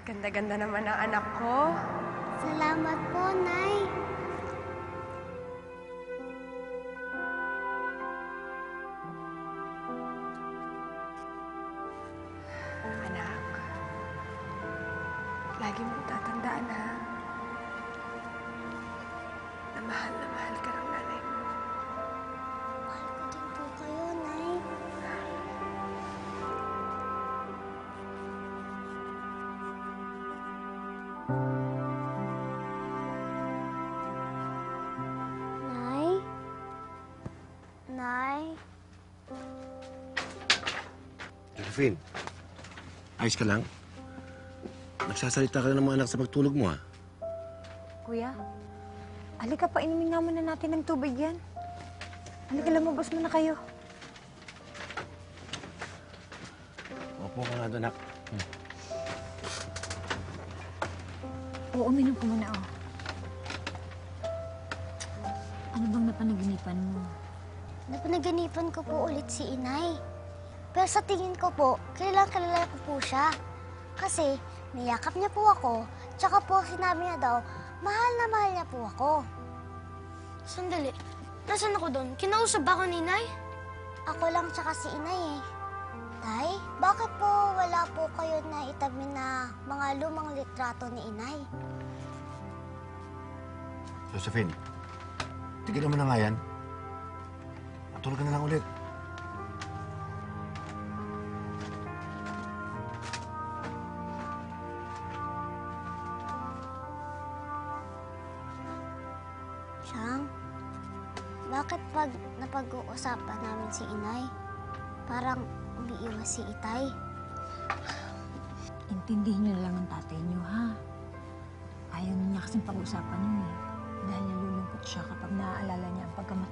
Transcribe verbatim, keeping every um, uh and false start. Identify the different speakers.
Speaker 1: Ganda-ganda naman ang anak ko.
Speaker 2: Salamat po, Nay.
Speaker 1: Anak, lagi mong tatandaan, ha? Na mahal na mahal ka ng nanay mo.
Speaker 2: Mahal ko din po kayo, Nay. Nay? Nay?
Speaker 3: Josephine, ayos ka lang? Nagsasalita ka na ng mga anak sa pagtulog mo, ha?
Speaker 4: Kuya, halika pa, inumin nga muna natin ng tubig yan. Halika, lumabas muna kayo.
Speaker 3: Opo ka nga doon, anak. Hmm.
Speaker 4: Oo, uminom ko muna, oh. Ano bang napanaginipan mo?
Speaker 2: Napanaganipan ko po ulit si Inay. Pero sa tingin ko po, kilalang kilala ko po siya. Kasi niyakap niya po ako, tsaka po sinabi niya daw, mahal na mahal niya po ako.
Speaker 5: Sandali. Nasaan ako doon? Kinausap ba ako ni Inay?
Speaker 2: Ako lang tsaka si Inay eh. Tay, bakit po wala po kayo na itabi na mga lumang litrato ni Inay?
Speaker 3: Josephine, tigil mo na nga yan. Matulog ka na lang ulit.
Speaker 2: Siyang, bakit pag napag-uusapan namin si Inay, parang umiiwas si Itay?
Speaker 4: Intindihin niyo na lang ang tatay niyo, ha? Ayaw na niya kasing pag-usapan yun, eh. Dahil nalulungkot siya kapag naaalala niya ang pagkamatay